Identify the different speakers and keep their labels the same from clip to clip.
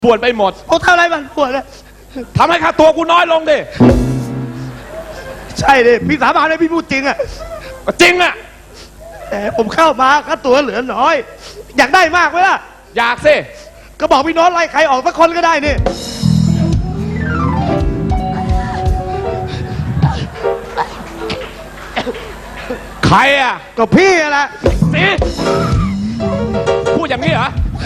Speaker 1: ปวดไปหมด
Speaker 2: โอ้ทำอะไรมันปวดเลย
Speaker 1: ทำให้ค่าตัวกูน้อยลงดิ
Speaker 2: ใช่ดิพี่สาบานเลยพี่พูดจริงอะ
Speaker 1: จริงอ่ะ
Speaker 2: แต่ผมเข้ามาค่าตัวเหลือน้อย อยากได้มากไหมล่ะ
Speaker 1: อยากสิ
Speaker 2: ก็บอกพี่โน้ตไล่ใครออกสักคนก็ได้นี่
Speaker 1: ใครอ่ะ
Speaker 2: ก็พี่อะแหละ
Speaker 1: สิพูดอย่างนี้เหรอ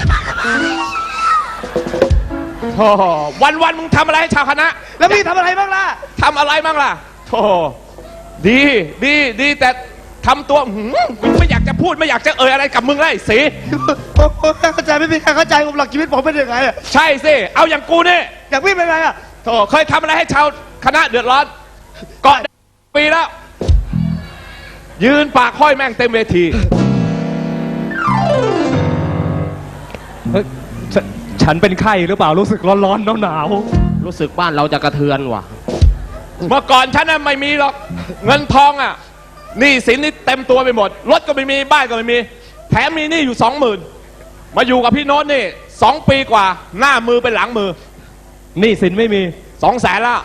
Speaker 1: โธ่วันมึงทำอะไรให้ชาวคณะ
Speaker 2: แล้วพี่ทำอะไรบ้างล่ะ
Speaker 1: ทำอะไรบ้างล่ะโธ่ดีแต่ทำตัวมึงไม่อยากจะพูดไม่อยากจะอะไรกับมึงเลยสิ
Speaker 2: โอ้เข้าใจไม่มีใครเข้าใจผมหลักชีวิตผมเป็นยังไงอะ
Speaker 1: ใช่สิเอาอย่างกูนี่
Speaker 2: อย่างพี่เป็นไงอะ
Speaker 1: โธ่เคยทำอะไรให้ชาวคณะเดือดร้อนเกาะปีแล้วยืนปากห้อยแม่งเต็มเวที
Speaker 3: ฉันเป็นไข้หรือเปล่ารู้สึกร้อนๆหนาว
Speaker 4: รู้สึกบ้านเราจะกระเทือนว่ะ
Speaker 1: เมื่อก่อนฉันน่ะไม่มีหรอกเงินทองอ่ะหนี้สินนี่เต็มตัวไปหมดรถก็ไม่มีบ้านก็ไม่มีแถมมีหนี้อยู่ 20,000มาอยู่กับพี่โน้ตนี่2 ปีกว่าหน้ามือเป็นหลังมือ
Speaker 3: ๆหนี่สินไม่มี
Speaker 1: 200,000ละ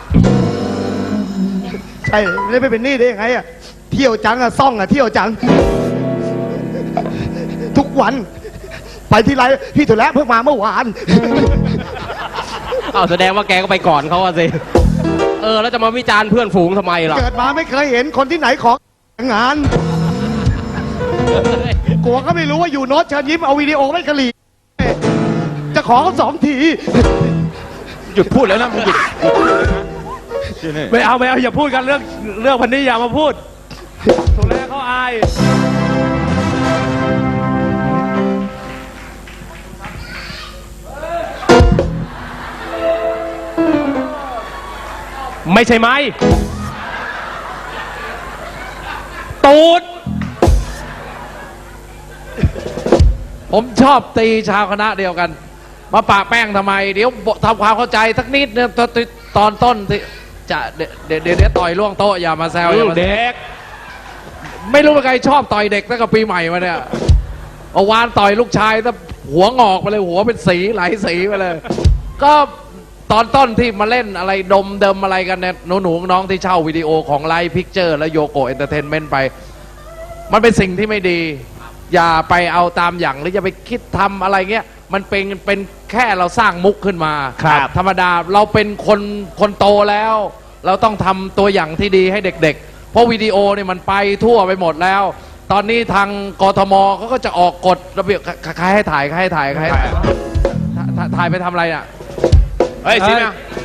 Speaker 2: ใช่ไม่เป็นหนี้ได้ยังไงอะเที่ยวจังอะซ่องอะเที่ยวจัง ทุกวันไปที่ไรพี่ถั่วแล้วเพิ่งมาเมื่อวาน
Speaker 4: อ้าวแสดงว่าแกก็ไปก่อนเขาอะสิ แล้วจะมาวิจารณ์เพื่อนฝูงทำไมล่ะ
Speaker 2: เกิดมาไม่เคยเห็นคนที่ไหนของงานกลัวก็ไม่รู้ว่าอยู่โน้ตเชิญยิ้มเอาวิดีโอไม่กะหรี่จะขอเขา2 ที
Speaker 1: หยุดพูดแล้วนะมึงหยุด
Speaker 3: ไม่เอาอย่าพูดกันเรื่องพันนี้อย่ามาพูดถูกแล้วเขาอายไม่ใช่ไหมตูด
Speaker 5: ผมชอบตีชาวคณะเดียวกัน มาปะแป้งทำไม เดี๋ยวทำความเข้าใจสักนิดเนี่ยตอนต้นที่จะเดี๋ยวต่อยล่วงโต๊ะอย่ามาแซวอย่ามาแซว
Speaker 3: เด็ก
Speaker 5: ไม่รู้ว่าใครชอบต่อยเด็กตั้งแต่ปีใหม่มาเนี่ยเอาวานต่อยลูกชายแต่หัวงอกไปเลยหัวเป็นสีหลายสีไปเลย ก็ตอนต้นที่มาเล่นอะไรเดิมอะไรกันเนี่ยหนูน้องที่เช่าวิดีโอของไลฟ์พิกเจอร์และโยโกเอนเตอร์เทนเมนต์ไป มันเป็นสิ่งที่ไม่ดี อย่าไปเอาตามอย่างหรืออย่าไปคิดทำอะไรเงี้ยมันเป็นแค่เราสร้างมุกขึ้นมา
Speaker 3: ครับ
Speaker 5: ธรรมดาเราเป็นคนโตแล้ว เราต้องทำตัวอย่างที่ดีให้เด็กๆ เพราะวิดีโอเนี่ยมันไปทั่วไปหมดแล้ว ตอนนี้ทางกทมเขาก็จะออกกฎระเบียบใครให้ถ่ายถ่ายไปทำอะไรอ่ะ
Speaker 1: เฮ้ยสินะ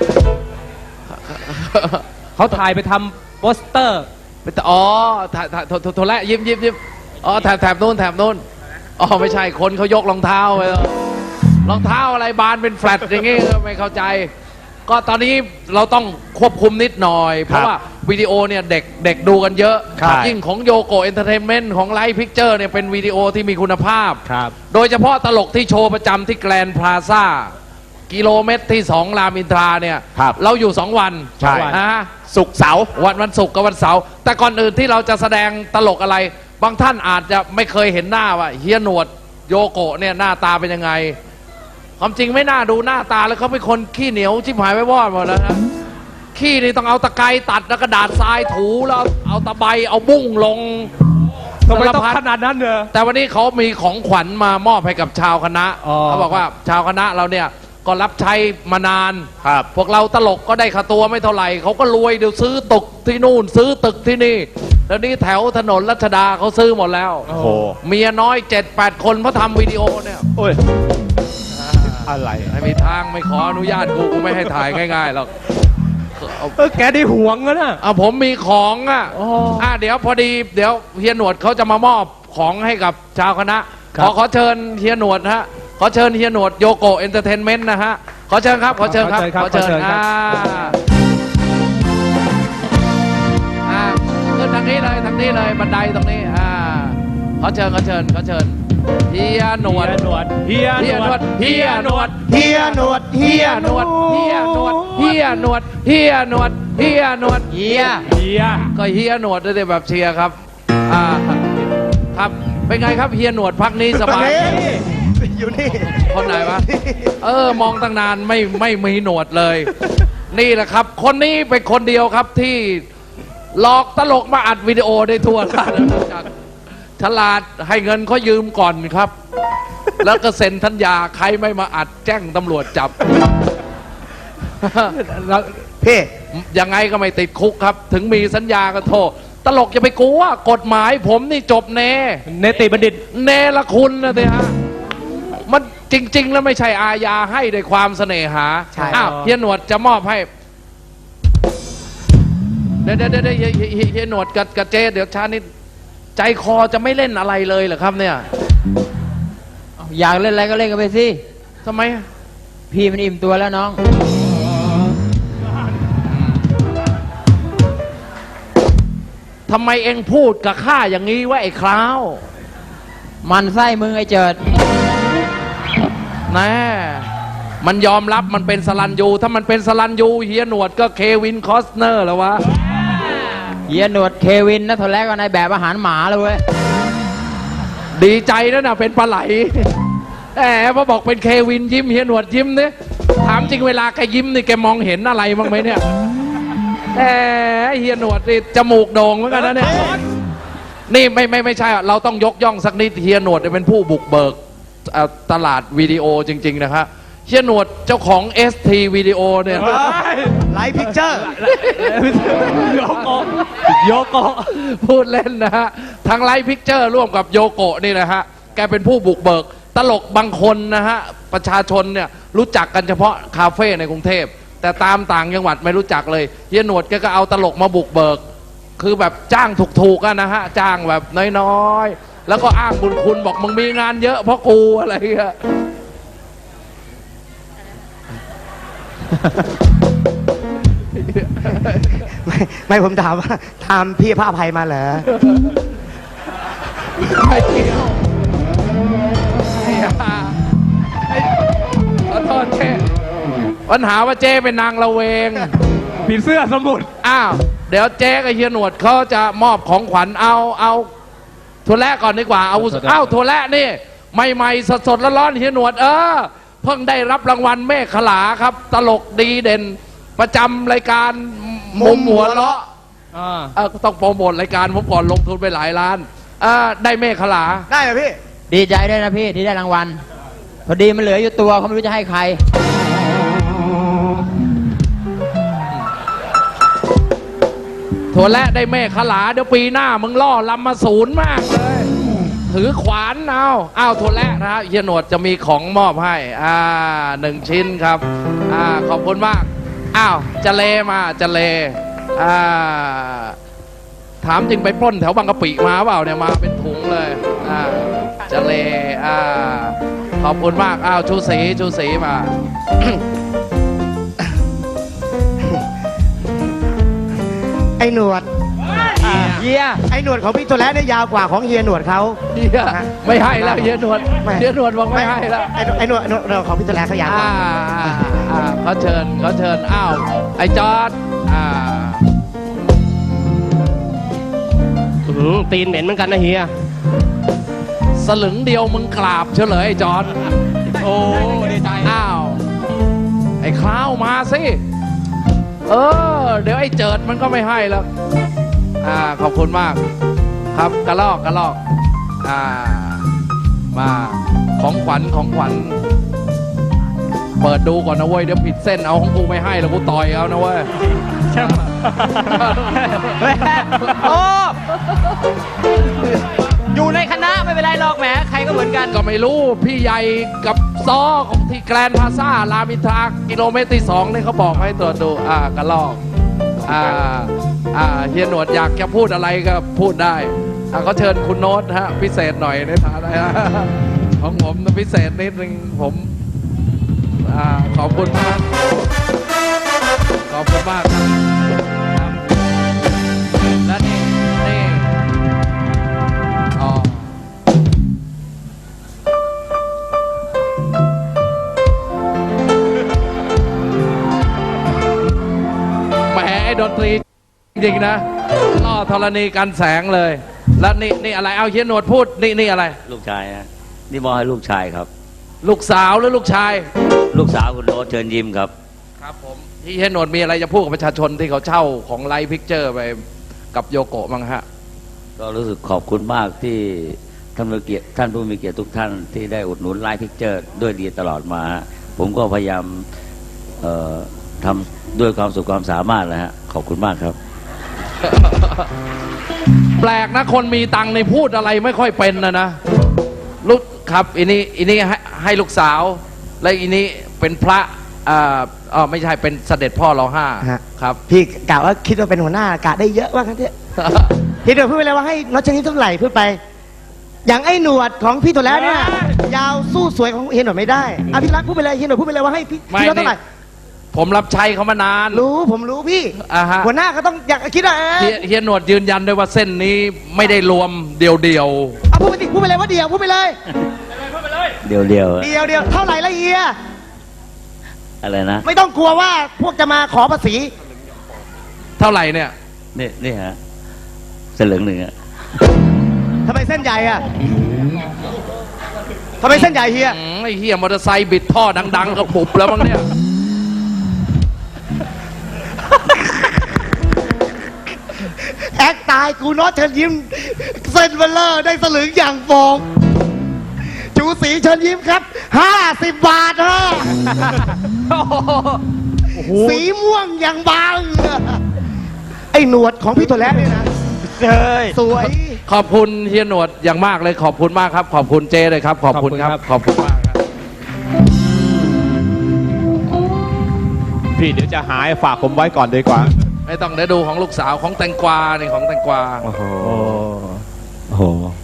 Speaker 3: เขาถ่ายไปทำโปสเตอร์
Speaker 5: อ๋อถ่ายโทรแล้วยิ้มอ๋อแถบนู้นอ๋อไม่ใช่คนเขายกรองเท้าไปแล้วรองเท้าอะไรบานเป็นแฟลตอย่างงี้ก็ไม่เข้าใจ ก็ตอนนี้เราต้องควบคุมนิดหน่อย เพราะว่าวิดีโอเนี่ยเด็กดูกันเยอะ
Speaker 3: ครับ
Speaker 5: ยิ่งของโยโกเอนเตอร์เทนเมนต์ของไลฟ์พิกเจอร์เนี่ยเป็นวิดีโอที่มีคุณภาพ
Speaker 3: ครับ
Speaker 5: โดยเฉพาะตลกที่โชว์ประจำที่แกรนด์พลาซ่ากิโลเมตรที่ 2 รามอินทราเนี่ย
Speaker 1: ครับ
Speaker 5: เราอยู่ 2 วัน
Speaker 1: ใช่
Speaker 5: นะ
Speaker 1: ศุกร์เสาร์
Speaker 5: วันศุกร์กับวันเสาร์แต่ก่อนอื่นที่เราจะแสดงตลกอะไร บางท่านอาจจะไม่เคยเห็นหน้าว่าเฮียหนวดโยโกะเนี่ยหน้าตาเป็นยังไง ความจริงไม่น่าดูหน้าตาแล้วเขาเป็นคนขี้เหนียวชิบหายไว้วอดหมดแล้วนะขี้นี่ต้องเอาตะไคร้ตัดแล้วกระดาษทรายถูแล้วเอาตะไบเอาบุ้งลง
Speaker 3: ทำไมต้อง
Speaker 5: สารพัด
Speaker 3: ขนาดนั้นเนอะ
Speaker 5: แต่วันนี้เขามีของขวัญมามอบให้กับชาวคณะ
Speaker 3: อ๋อ
Speaker 5: เขาบอกว่าชาวคณะเราเนี่ยก็รับใช้มานาน
Speaker 1: ครับ
Speaker 5: พวกเราตลกก็ได้ค่าตัวไม่เท่าไหร่เขาก็รวยเดี๋ยวซื้อตึกที่นู่นซื้อตึกที่นี่แล้วนี้แถวถนนรัชดาเขาซื้อหมดแล้ว
Speaker 1: โอ้โห
Speaker 5: เมียน้อย 7-8 คนเพราะทำวิดีโอเนี่ย
Speaker 1: โอ้ยอะไร
Speaker 5: ไม่มีทางไม่ขออนุญาตกูไม่ให้ถ่ายง่ายๆหรอก
Speaker 3: แกได้หวงนะ
Speaker 5: ผมมีของอ่ะ
Speaker 3: อ๋อ
Speaker 5: เดี๋ยวพอดีเดี๋ยวเฮียหนวดเขาจะมามอบของให้กับชาวคณะ
Speaker 3: ครับ
Speaker 5: ขอเชิญเฮียหนวดฮะขอเชิญเฮียหนวดโยโกเอนเตอร์เทนเมนต์นะฮะขอเชิญครับขอเชิญครับ
Speaker 3: ขอเชิญครับ
Speaker 5: ขึ้นทางนี้เลยบันไดตรงนี้ขอเชิญเฮียหนวด
Speaker 3: เฮียหนวด
Speaker 5: เฮียหนวด
Speaker 2: เฮียหนวด
Speaker 5: เฮียหนวดเฮียหนวดเฮียหนวดเฮียหนวดเฮียหนวดเฮีย
Speaker 3: เฮีย
Speaker 5: ก็เฮียหนวดด้วยแบบเชียร์ครับครับเป็นไงครับเฮียหนวดพักนี้สบาย
Speaker 2: เฮ้ยอยู่นี่
Speaker 5: คนไหนวะ มองตั้งนานไม่มีหนวดเลย นี่แหละครับ คนนี้เป็นคนเดียวครับที่หลอกตลกมาอัดวิดีโอได้ทั่วราชอาณาจักรฉลาดให้เงินเขายืมก่อนครับ แล้วก็เซ็นสัญญาใครไม่มาอัดแจ้งตำรวจจับ
Speaker 2: พี่
Speaker 5: ยังไงก็ไม่ติดคุกครับ ถึงมีสัญญาก็โทษตลกจะไปกลัวกฎหมายผมนี่จบเน
Speaker 3: เนติบัณฑิต
Speaker 5: เนรคุณนะเดฮะมันจริง ๆ แล้วไม่ใช่อาญาให้ด้วยความเสน่หา
Speaker 2: ใช่
Speaker 5: อ้าวเฮียหนวดจะมอบให้เดี๋ยวเฮียหนวดกับเจเดี๋ยวชานิดใจคอจะไม่เล่นอะไรเลยเหรอครับเนี่ย
Speaker 6: อยากเล่นอะไรก็เล่นกันไปสิ
Speaker 5: ทำไม
Speaker 6: พี่มันอิ่มตัวแล้วน้อง
Speaker 5: ทำไมเองพูดกับข้าอย่างนี้ว่าไอ้คราว
Speaker 6: มันไส้มึงไอ้เจิด
Speaker 5: แน่มันยอมรับมันเป็นสลันยู ถ้ามันเป็นสลันยูเฮียหนวดก็เควินคอสเนอร์แล้ววะ
Speaker 6: เฮียหนวดเควินนะโทรแรกก็นายแบบอาหารหมาเลยเว้ย
Speaker 5: ดีใจนะน่ะเป็นปลาไหลแหมพอบอกเป็นเควินยิ้มเฮียหนวดยิ้มเนี่ยถามจริงเวลาแกยิ้มนี่แกมองเห็นอะไรบ้างไหมเนี่ยแหมเฮียหนวดนี่จมูกโด่งเหมือนกันนะเนี่ยนี่ไม่ใช่อะเราต้องยกย่องสักนิดเฮียหนวดเนี่ยเป็นผู้บุกเบิกตลาดวิดีโอจริงๆนะครับเฮียหนวดเจ้าของ ST วิดีโอเนี่ย
Speaker 2: ไลฟ์พิกเจอร์
Speaker 3: โยโกะโยโกะ
Speaker 5: พูดเล่นนะฮะทางไลฟ์พิกเจอร์ร่วมกับโยโกะนี่นะฮะแกเป็นผู้บุกเบิกตลกบางคนนะฮะประชาชนเนี่ยรู้จักกันเฉพาะคาเฟ่ในกรุงเทพแต่ตามต่างจังหวัดไม่รู้จักเลยเฮียหนวดแกก็เอาตลกมาบุกเบิกคือแบบจ้างถูกๆกันนะฮะจ้างแบบน้อยๆแล้วก็อ้างบุญคุณบอกมึงมีงานเยอะเพราะกูอะไรเงี้ย
Speaker 2: ไม่ผมถามว่าทำพี่พระอภัยมาเหรอ
Speaker 5: ไม่เกี่ยวขอโทษเจ๊ปัญหาว่าเจ๊เป็นนางละเวง
Speaker 3: ผีเสื้อสมุทร
Speaker 5: อ้าวเดี๋ยวเจ๊กับเฮียหนวดเขาจะมอบของขวัญเอาถั่วแระก่อนดีกว่าเอาถั่วแระนี่ใหม่ๆสดๆร้อนๆเฮียหนวดเพิ่งได้รับรางวัลเมฆขลาครับ ตลกดีเด่น ประจำรายการมุมหัวเราะต้องโปรโมทรายการผมก่อนลงทุนไปหลายล้านได้เมฆขลา
Speaker 2: ได้เหรอพี่
Speaker 6: ดีใจด้วยนะพี่ที่ได้รางวัล พอดีมันเหลืออยู่ตัวเขาไม่รู้จะให้ใคร
Speaker 5: ถั่วแระได้เมฆขลาเดี๋ยวปีหน้ามึงล่อลำมาศูนย์มากเลย ถือขวานเอาถั่วแระนะฮะเฮียหนวดจะมีของมอบให้1 ชิ้นครับขอบคุณมากจะเลมาจะเลถามจริงไปปล้นแถวบางกะปิมาเปล่าเนี่ยมาเป็นถุงเลยจะเลขอบคุณมากชูสีมา
Speaker 2: ไอ้หนวด
Speaker 6: เฮีย
Speaker 2: ไอ้หนวดของพี่ตัวแล้วเนี่ยยาวกว่าของเฮียหนวดเขา
Speaker 5: เฮียไม่ให้แล้วเฮียหนวด
Speaker 2: ไม่
Speaker 5: เฮียหนวดบอกไม่ให้แล้ว
Speaker 2: ไอ้หนวดของพี่ตัวแล้วเขายาวกว่า
Speaker 5: เขาเชิญไอ้จอร์ด
Speaker 4: ตีนเหม็นเหมือนกันนะเฮีย
Speaker 5: สลึงเดียวมึงกราบเฉลยไอ้จอร์ด
Speaker 4: โอ้ดีใจ
Speaker 5: ไอ้คราวมาสิเดี๋ยวไอ้เจิดมันก็ไม่ให้แล้วขอบคุณมากครับกระลอกมาของขวัญเปิดดูก่อนนะเว้ยเดี๋ยวผิดเส้นเอาของกูไม่ให้แล้วกูต่อยเอานะเว้ย
Speaker 3: ใช่ไหม
Speaker 6: โอ้อยู่ในคณะไม่เป็นไรหรอกแหมใครก็เหมือนกัน
Speaker 5: ก็ไม่รู้พี่ใหญ่กับซอของที่แกรนด์พลาซ่ารามอินทรากิโลเมตรที่2นี่เขาบอกให้ตรวจดูกระลอกเฮียหนวดอยากจะพูดอะไรก็พูดได้เขาเชิญคุณโน้ตฮะพิเศษหน่อยในฐานะของผมพิเศษนิดนึงผมขอบคุณมากครับและนี่แหมไอ้ดนตรีจริงๆนะล่อธรณีกันแสงเลย แล้วนี่อะไรเอาเฮียหนวดพูดนี่อะไร
Speaker 7: ลูกชายนะนี่มอบให้ลูกชายครับ
Speaker 5: ลูกสาวหรือลูกชาย
Speaker 7: ลูกสาวคุณโน้ตเชิญยิ้มครับ
Speaker 5: ครับผมที่เฮยหนวดมีอะไรจะพูดกับประชาชนที่เขาเช่าของไลฟ์พิกเจอร์ไปกับโยโกะบ้างฮะ
Speaker 7: ก็รู้สึกขอบคุณมากที่ท่านผู้เกียรติท่านผู้มีเกียรติทุกท่านที่ได้อุดหนุนไลฟ์พิกเจอร์ด้วยดีตลอดมาฮะผมก็พยายามทำด้วยความสุขความสามารถนะฮะขอบคุณมากครับ
Speaker 5: แปลกนะคนมีตังค์ในพูดอะไรไม่ค่อยเป็นนะลูกครับอันนี้ให้ลูกสาว และอันนี้เป็นพระไม่ใช่เป็นเสด็จพ่อเราห้า
Speaker 8: ฮะ
Speaker 5: ครับ
Speaker 8: พี่กะว่าคิดว่าเป็นหัวหน้ากะได้เยอะว่ากันเถอะ พี่เดี๋ยวพูดไปเลยว่าให้น็อตชนิดเท่าไหร่พูดไป อย่างไอ้หนวดของพี่ตัวแล้วเนี่ยยาวสู้สวยของเฮียหนวดไม่ได้อ่ะพี่รักพูดไปเลยเฮียหนวดพูดไปเลยว่าให้พี่
Speaker 5: ไม่
Speaker 8: พี่น็อตเท่าไหร่
Speaker 5: ผมรับใช้เขามานาน
Speaker 8: ผมรู้พี่
Speaker 5: อ่าฮะ
Speaker 8: หัวหน้าก็ต้องอยากคิดว่า
Speaker 5: เฮียหนวดยืนยันด้วยว่าเส้นนี้ไม่ได้รวมเดียว
Speaker 8: เอาพูดไปดิพูดไปเลยว่าเดียวพูดไปเลย
Speaker 7: เดียว
Speaker 8: เดียวเท่าไหร่ละเฮีย
Speaker 7: อะไรนะ
Speaker 8: ไม่ต้องกลัวว่าพวกจะมาขอภาษี
Speaker 5: ๆ เท่าไหร่เนี่ย
Speaker 7: นี่ฮะสลึงหนึ่งอะ
Speaker 8: ทำไมเส้นใหญ่อะทำไมเส้นใหญ่เฮีย
Speaker 5: ไอ้เฮียมอเตอร์ไซค์บิดท่อดังๆกับปุบแล้วมั้งเนี่ย
Speaker 8: แอคตายกูน็อตเชิญยิ้มเส้นเบลเลอร์ได้สลึงอย่างฟองจูสีเชิญยิ้มครับ50 บาทฮะสีม่วงอย่างบางไอ้หนวดของพี่ตัวแล้วเนี่ยนะสวย
Speaker 5: ขอบคุณเฮียหนวดอย่างมากเลยขอบคุณมากครับ ขอบคุณเจเลยครับ ขอบคุณครับ ขอบคุณมากครับ
Speaker 1: พี่เดี๋ยวจะหายฝากผมไว้ก่อนดีกว่า
Speaker 5: ไม่ต้องได้ดูของลูกสาวของแตงกวานี่ของแตงกวา
Speaker 1: โอ้โห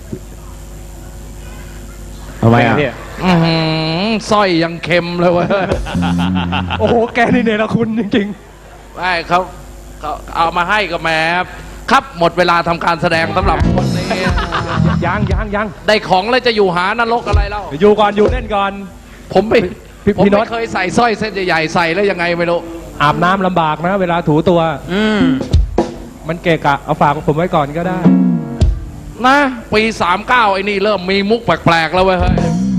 Speaker 1: ทำไมอ่ะ
Speaker 5: อื้อหือสร้อยยังเค็มเลยเว้ย
Speaker 3: โอ้โห แกนี่เนรคุณจริง
Speaker 5: ไม่เขาเอามาให้กับแม่ครับหมดเวลาทำการแสดงสำหรับวันนี้
Speaker 3: ๆ ยัง
Speaker 5: ได้ของแล้วจะอยู่หานรกอะไรเล่า
Speaker 3: อยู่ก่อนอยู่เล่นก่อน
Speaker 5: ผมไม่
Speaker 3: พี่
Speaker 5: ผม
Speaker 3: พี่น็อ
Speaker 5: ไม่
Speaker 3: ต
Speaker 5: เคยใส่สร้อยเส้นใหญ่ๆใส่แล้วยังไงไม่รู้
Speaker 3: อาบน้ำลำบากนะ เวลาถูตัว มันเกะกะเอาฝากผมไว้ก่อนก็ได้
Speaker 5: นะปี39ไอ้นี่เริ่มมีมุกแปลกๆแล้วเว้ยเฮ้ย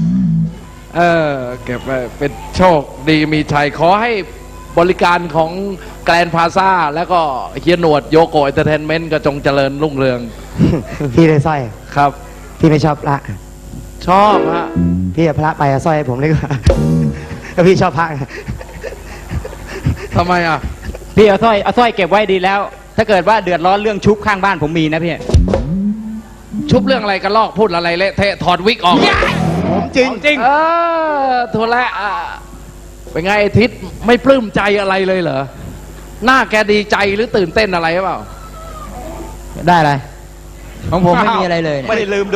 Speaker 5: เก็บไว้เป็นโชคดีมีชัยขอให้บริการของแกรนด์พาซาแล้วก็เฮียหนวดโยโกะเอนเตอร์เทนเมนต์ก็จงเจริญรุ่งเรือง
Speaker 8: พี่เลยสร้อย
Speaker 5: ครับ
Speaker 8: พี่ไม่ชอบพระ
Speaker 5: ชอบฮะ
Speaker 8: พี่เอาพระไปเอาสร้อยให้ผมดีกว่า ก็พี่ชอบพระไง
Speaker 5: ทำไมอ่ะ
Speaker 6: พี่เอาสร้อยเก็บไว้ดีแล้ว ถ้าเกิดว่าเดือดร้อนเรื่องชุบข้างบ้านผมมีนะพี่
Speaker 5: ชุบเรื่องอะไรกันลอกพูดอะไรเละเทะถอดวิกออก
Speaker 8: ผมจริง
Speaker 3: จริง
Speaker 5: โทรแล้วเป็นไงไอ้ทิศไม่ปลื้มใจอะไรเลยเหรอ หน้าแกดีใจหรือตื่นเต้นอะไรหรือเปล่า
Speaker 6: ได้อะไร ของผมไม่มีอะไรเลยเนี่ย
Speaker 1: ไม่ได้ลืมดู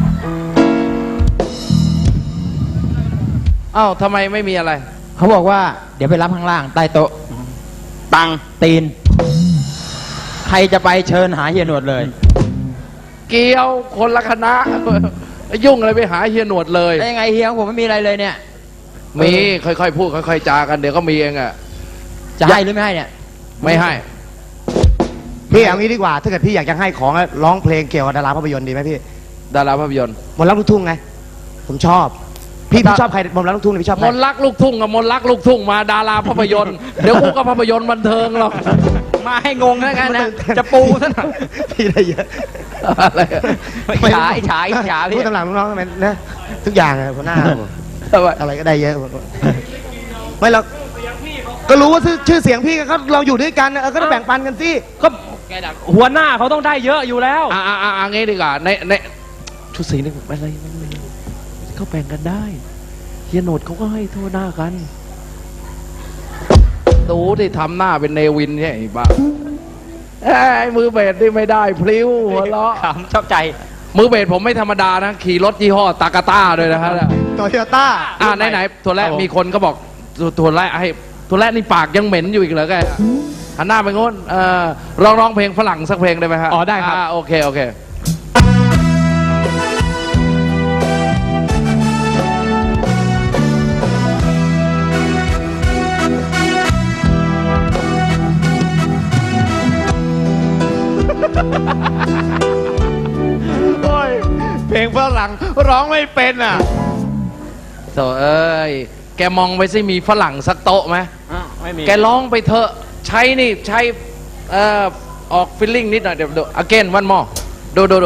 Speaker 5: อ้าวทำไมไม่มีอะไร
Speaker 6: เขาบอกว่าเดี๋ยวไปรับข้างล่างใต้โต๊ะ ตังตีน ใครจะไปเชิญหาเฮียหนวดเลย
Speaker 5: เกี่ยวคนละคณะ ยุ่งอะไรไปหาเฮียหนวดเลย
Speaker 6: ได้ยังไงเฮียของผมไม่มีอะไรเลยเนี่ย
Speaker 5: มีค่อยๆพูดค่อยๆจากันเดี๋ยวก็มีเองอะ
Speaker 6: จะให้หรือไม่ให้เนี่ย
Speaker 5: ไม่ให้
Speaker 8: พี่เอางี้ดีกว่า ถ้าเกิดพี่อยากจะให้ของอะร้องเพลงเกี่ยวกับดาราภาพยนตร์ดีไหมพี่
Speaker 5: ดาราภาพยนตร์
Speaker 8: มนต์รักลูกทุ่งไง ผมชอบ พี่ชอบใครมนต์รักลูกทุ่งเนี่ยพี่ชอบใค
Speaker 5: ม
Speaker 8: ร
Speaker 5: นต์รักลูกทุ่งกับมนต์รักลูกทุ่งมาดาราภาพยนตร์ เดี๋ยวกูก็ภาพยนตร์บันเทิงหรอก
Speaker 6: มาให้งงแล้วกันนะ จะปูซะหน่อย
Speaker 8: พี่ได้เยอะ
Speaker 5: อะไรอะ
Speaker 6: อิจฉาอิจฉาพี่
Speaker 8: พูดตำหลังน้องๆทำไมนะทุกอย่างอะหัวหน้า
Speaker 5: ทำไม
Speaker 8: อะไรก็ได้เยอะ ไม่เราก็รู้ว่าชื่อเสียงพี่ก็เราอยู่ด้วยกันก็ต้องแบ่งปันกันสิ
Speaker 3: ก็หัวหน้าเขาต้องได้เยอะอยู่แล้ว
Speaker 5: งี้ดีกว่าในชุดสีนี่อะไรเขาแบ่งกันได้เฮียโหนดเขาก็ให้ทั่วหน้ากันดูที่ทำหน้าเป็นเนวินเนี่ยไอ้บ้าไอ้มือเบสนี่ไม่ได้พลิ้วหัวเราะ
Speaker 6: ขำชอบใจ
Speaker 5: มือเบสผมไม่ธรรมดานะขี่รถยี่ห้อตากาต้าด้วยนะฮะ
Speaker 8: โตโยต้า
Speaker 5: ไหนถั่วแระมีคนก็บอกถั่วแระให้ถั่วแระนี่ปากยังเหม็นอยู่อีกเหรอแกหันหน้าไปโน้นร้องเพลงฝรั่งสักเพลงได้ไหมฮะ
Speaker 3: อ๋อได้ครับ
Speaker 5: โอเคโอเค
Speaker 1: โอ้ย เพลงฝรั่งร้องไม่เป็นอ่ะ
Speaker 5: โถ่เอ้ย แกมองไปสิมีฝรั่งสักโต๊ะไหม
Speaker 4: ไม่มี
Speaker 5: แกร้องไปเถอะ ใช้นี่ใช้ออกฟิลลิ่งนิดหน่อย เดี๋ยวดู again one more ดู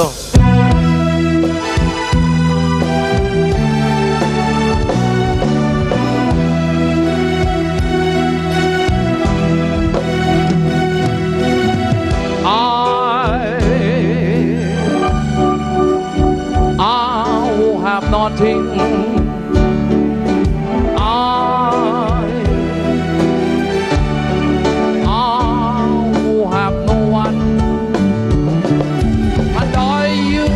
Speaker 5: I will have nothing. I will have no one. Adore you.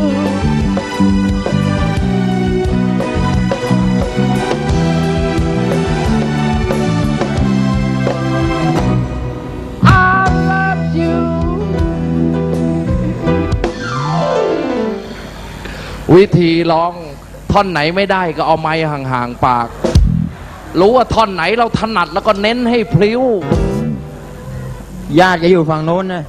Speaker 5: I love you. วิธีร้องท่อนไหนไม่ได้ก็เอาไม้ห่างๆปาก รู้ว่าท่อนไหนเราถนัดแล้วก็เน้นให้พลิ้ว
Speaker 6: ญาติจะอยู่ฝั่งโน้นนะ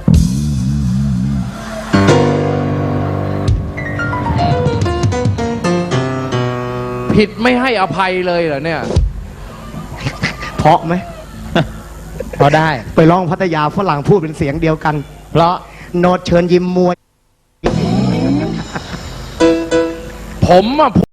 Speaker 5: ผิดไม่ให้อภัยเลยเหรอเนี่ย
Speaker 8: เพราะไหม
Speaker 6: พอได้
Speaker 8: ไปร้องพัทยาฝรั่งพูดเป็นเสียงเดียวกัน
Speaker 6: เพราะ
Speaker 8: โนตเชิญยิ้มมวย
Speaker 5: ผมอะ